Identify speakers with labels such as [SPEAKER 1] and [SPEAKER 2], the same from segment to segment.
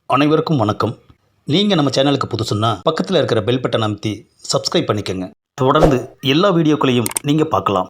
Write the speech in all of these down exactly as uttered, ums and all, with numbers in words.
[SPEAKER 1] அனைவருக்கும் வணக்கம். நீங்கள் நம்ம சேனலுக்கு புதுசுன்னா பக்கத்தில் இருக்கிற பெல் பட்டனை அமைத்தி சப்ஸ்கிரைப் பண்ணிக்கோங்க. தொடர்ந்து எல்லா வீடியோக்களையும் நீங்கள் பார்க்கலாம்.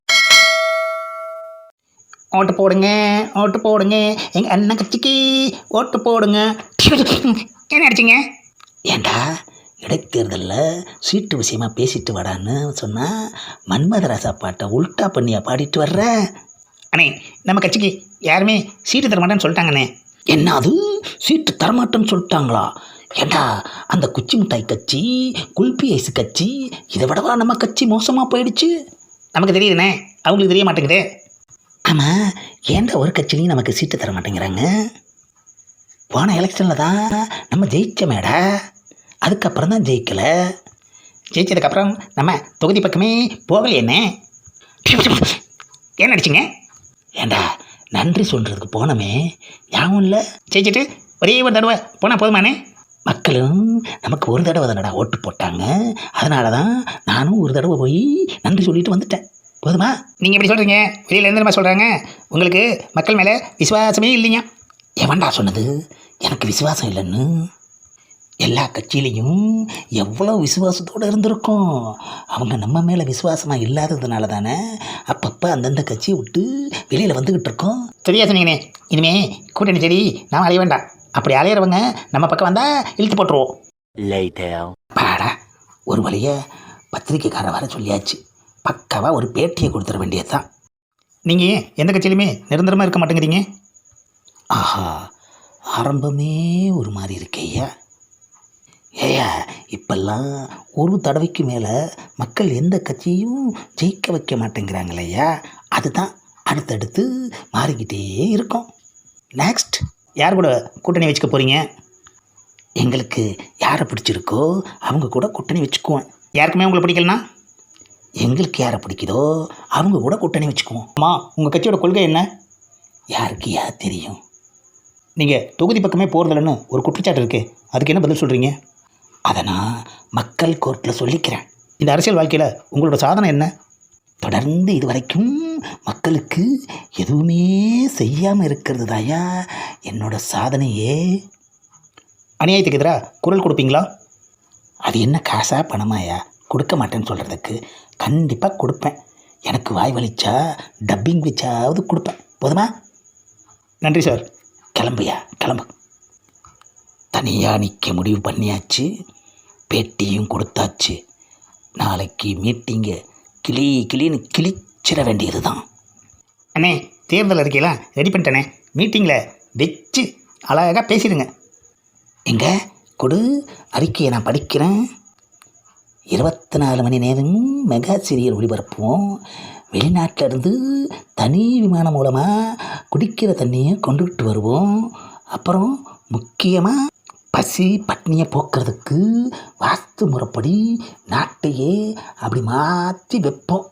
[SPEAKER 2] ஓட்டு போடுங்க, ஓட்டு போடுங்க, எங்கள் அண்ணன் கட்சிக்கு ஓட்டு போடுங்க. என்ன அடிச்சிங்க? ஏண்டா இடைத்தேர்தலில் சீட்டு விஷயமா பேசிட்டு வரான்னு சொன்னால் மன்மதராசா பாட்டை உல்ட்டா பண்ணியா பாடிட்டு வர்ற? அண்ணே, நம்ம கட்சிக்கு யாருமே சீட்டு தரமாட்டேன்னு சொல்லிட்டாங்கண்ணே. என்ன அது, சீட்டு தரமாட்டேன்னு சொல்லிட்டாங்களா? ஏண்டா அந்த குச்சி மிட்டாய் கட்சி, குல்பி ஐஸ் கட்சி, இதை விடவா நம்ம கட்சி மோசமாக போயிடுச்சு? நமக்கு தெரியுதுண்ணே, அவங்களுக்கு தெரிய மாட்டேங்குதே. ஆமாம், ஏண்டா ஒரு கட்சிலையும் நமக்கு சீட்டு தர மாட்டேங்கிறாங்க? போன எலெக்ஷனில் தான் நம்ம ஜெயிச்சமேடா, அதுக்கப்புறம் தான் ஜெயிக்கலை. ஜெயிச்சதுக்கப்புறம் நம்ம தொகுதி பக்கமே போகலையேண்ணே. என்ன அடிச்சிங்க? ஏண்டா நன்றி சொல்கிறதுக்கு போனோமே, ஞாபகம் இல்லை? ஜெயிச்சிட்டு ஒரே ஒரு தடவை போனால் போதுமானே? மக்களும் நமக்கு ஒரு தடவை தானடா ஓட்டு போட்டாங்க, அதனால தான் நானும் ஒரு தடவை போய் நன்றி சொல்லிட்டு வந்துட்டேன். போதுமா? நீங்கள் எப்படி சொல்கிறீங்க? வெளியில் எந்த மாதிரி சொல்கிறாங்க? உங்களுக்கு மக்கள் மேலே விசுவாசமே இல்லைங்க. எவன்டா சொன்னது எனக்கு விசுவாசம் இல்லைன்னு? எல்லா கட்சியிலையும் எவ்வளோ விசுவாசத்தோடு இருந்திருக்கும். அவங்க நம்ம மேலே விசுவாசமாக இல்லாததுனால தானே அப்பப்போ அந்தந்த கட்சியை விட்டு வெளியில் வந்துக்கிட்டு இருக்கோம். சரியா சொன்னீங்கண்ணே. இனிமே கூட்டணி சரி நாம் அலைய வேண்டாம். அப்படி அலையிறவங்க நம்ம பக்கம் வந்தால் இழுத்து போட்டுருவோம். பாடா, ஒரு வழியை பத்திரிக்கைக்கார வர சொல்லியாச்சு. பக்காவாக ஒரு பேட்டியை கொடுத்துட வேண்டியது தான். நீங்கள் எந்த கட்சியிலுமே நிரந்தரமாக இருக்க மாட்டேங்கிறீங்க. ஆஹா, ஆரம்பமே ஒரு மாதிரி இருக்கேயா. ஏயா, இப்பெல்லாம் ஒரு தடவைக்கு மேலே மக்கள் எந்த கட்சியும் ஜெயிக்க வைக்க மாட்டேங்கிறாங்களையா. அதுதான் அடுத்தடுத்து மாறிக்கிட்டே இருக்கும். நெக்ஸ்ட் யார் கூட கூட்டணி வச்சுக்க போகிறீங்க? எங்களுக்கு யாரை பிடிச்சிருக்கோ அவங்க கூட கூட்டணி வச்சுக்குவோம். யாருக்குமே உங்களை பிடிக்கலனா எங்களுக்கு யாரை பிடிக்குதோ அவங்க கூட கூட்டணி வச்சுக்குவோம். அம்மா, உங்கள் கட்சியோட கொள்கை என்ன? யாருக்கு யார் தெரியும்? நீங்கள் தொகுதி பக்கமே போகிறதில்லன்னு ஒரு குற்றச்சாட்டு இருக்குது, அதுக்கு என்ன பதில் சொல்கிறீங்க? அதை நான் மக்கள் கோர்ட்டில் சொல்லிக்கிறேன். இந்த அரசியல் வாழ்க்கையில் உங்களோட சாதனை என்ன? தொடர்ந்து இது வரைக்கும் மக்களுக்கு எதுவுமே செய்யாமல் இருக்கிறது தாயா என்னோட சாதனையே. அநியாயத்துக்கு எதிராக குரல் கொடுப்பீங்களா? அது என்ன காசா பணமாயா? கொடுக்க மாட்டேன்னு சொல்கிறதுக்கு கண்டிப்பாக கொடுப்பேன். எனக்கு வாய் வலிச்சா டப்பிங் வச்சாவது கொடுப்பேன். போதுமா? நன்றி சார். கிளம்புயா, கிளம்பு. தனியாக நிற்க முடிவு பண்ணியாச்சு, பேட்டியும் கொடுத்தாச்சு. நாளைக்கு மீட்டிங்கை கிளி கிளின்னு கிழிச்சிட வேண்டியது தான். அண்ணே, தேர்தல் அறிக்கையெல்லாம் ரெடி பண்ணிட்டேனே, மீட்டிங்கில் வச்சு அழகாக பேசிடுங்க. எங்கே கொடு, அறிக்கையை நான் படிக்கிறேன். இருபத்தி நாலு மணி நேரமும் மெகா சீரியல் ஒளிபரப்புவோம். வெளிநாட்டிலேருந்து தனி விமானம் மூலமாக குடிக்கிற தண்ணியை கொண்டுகிட்டு வருவோம். அப்புறம் முக்கியமாக பசி பட்னியை போக்குறதுக்கு வாஸ்து முறைப்படி நாட்டையே அப்படி மாற்றி வைப்போம்.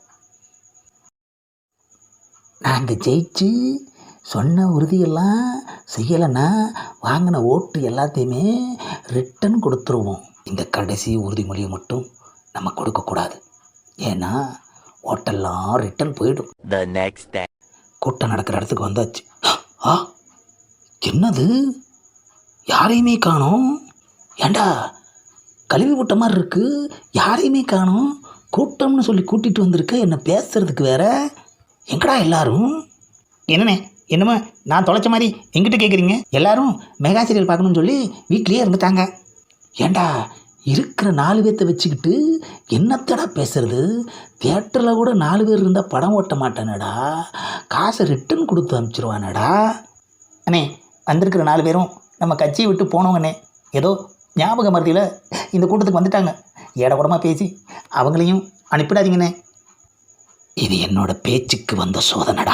[SPEAKER 2] நாங்கள் ஜெயிச்சு சொன்ன உறுதியெல்லாம் செய்யலைன்னா வாங்கின ஓட்டு எல்லாத்தையுமே ரிட்டன் கொடுத்துருவோம். இந்த கடைசி உறுதிமொழியை மட்டும் நம்ம கொடுக்கக்கூடாது, ஏன்னா ஓட்டெல்லாம் ரிட்டன் போயிடும். கூட்டம் நடக்கிற இடத்துக்கு வந்தாச்சு. ஆ, என்னது, யாரையுமே காணோம்? ஏண்டா கழுவி விட்ட மாதிரி இருக்கு, யாரையுமே காணோம். கூட்டம்னு சொல்லி கூட்டிகிட்டு வந்திருக்க, என்ன பேசுறதுக்கு வேற. எங்கடா எல்லாரும்? என்னண்ணே, என்னமோ நான் தொலைச்ச மாதிரி எங்கிட்ட கேட்குறீங்க? எல்லாரும் மெகா சீரியல் பார்க்கணுன்னு சொல்லி வீட்லேயே இருந்துட்டாங்க. ஏண்டா இருக்கிற நாலு பேர்த்த வச்சுக்கிட்டு என்னத்தடா பேசுறது? தியேட்டரில் கூட நாலு பேர் இருந்தால் படம் ஓட்ட மாட்டானடா, காசை ரிட்டன் கொடுத்து அனுப்பிச்சிருவானடா. அண்ணே, வந்திருக்கிற நாலு பேரும் நம்ம கட்சியை விட்டு போனவங்கண்ணே. ஏதோ ஞாபக மருதியில் இந்த கூட்டத்துக்கு வந்துட்டாங்க. ஏட கூடமாக பேசி அவங்களையும் அனுப்பிடாதீங்கண்ணே. இது என்னோட பேச்சுக்கு வந்த சோதனடா.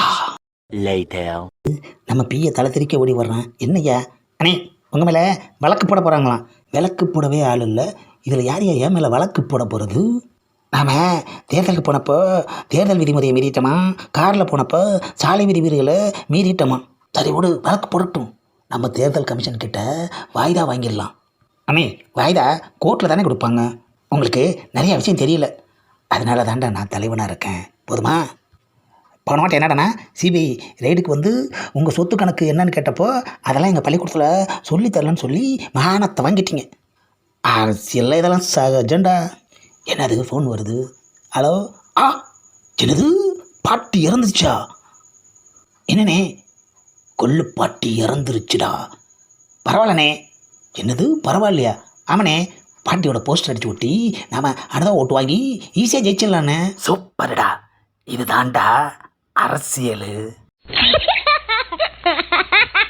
[SPEAKER 2] நம்ம பிய தலை திரிக்க ஓடி வர்றான். என்னையா? அண்ணே, உங்கள் மேலே வழக்கு போட போகிறாங்களாம். விளக்கு போடவே ஆள் இல்லை, இதில் யார் யார் என் மேலே வழக்கு போட போகிறது? நாம் தேர்தலுக்கு போனப்போ தேர்தல் விதிமுறையை மீறிட்டோமா, காரில் போனப்போ சாலை விதிமுறைகளை மீறிட்டோமா? சரி விடு, வழக்கு போடட்டும். நம்ம தேர்தல் கமிஷன் கிட்ட வாய்தா வாங்கிடலாம். அண்ணே, வாய்தா கோர்ட்டில் தானே கொடுப்பாங்க. உங்களுக்கு நிறைய விஷயம் தெரியல, அதனால தாண்டா நான் தலைவனாக இருக்கேன். போதுமா? போன வாட்டி என்னடாண்ணா சிபிஐ ரைடுக்கு வந்து உங்கள் சொத்து கணக்கு என்னன்னு கேட்டப்போ அதெல்லாம் எங்கள் பள்ளிக்கூடத்தில் சொல்லி தரலன்னு சொல்லி மானத்தை வாங்கிட்டீங்க. அரசியலில் இதெல்லாம் சகஜண்டா. என்னது ஃபோன் வருது? ஹலோ. ஆ என்னது பாட்டி இறந்துச்சா? என்னண்ணே கொள்ளு பாட்டி இறந்துருச்சுடா. பரவாயில்லண்ணே. என்னது பரவாயில்லையா? ஆமாண்ணே, பாட்டியோட போஸ்டர் அடிச்சு ஒட்டி நாம் அடுத்த ஓட்டு வாங்கி ஈஸியாக ஜெயிச்சிடலாண்ணே. சூப்பர்டா, இதுதான்டா அரசியல்.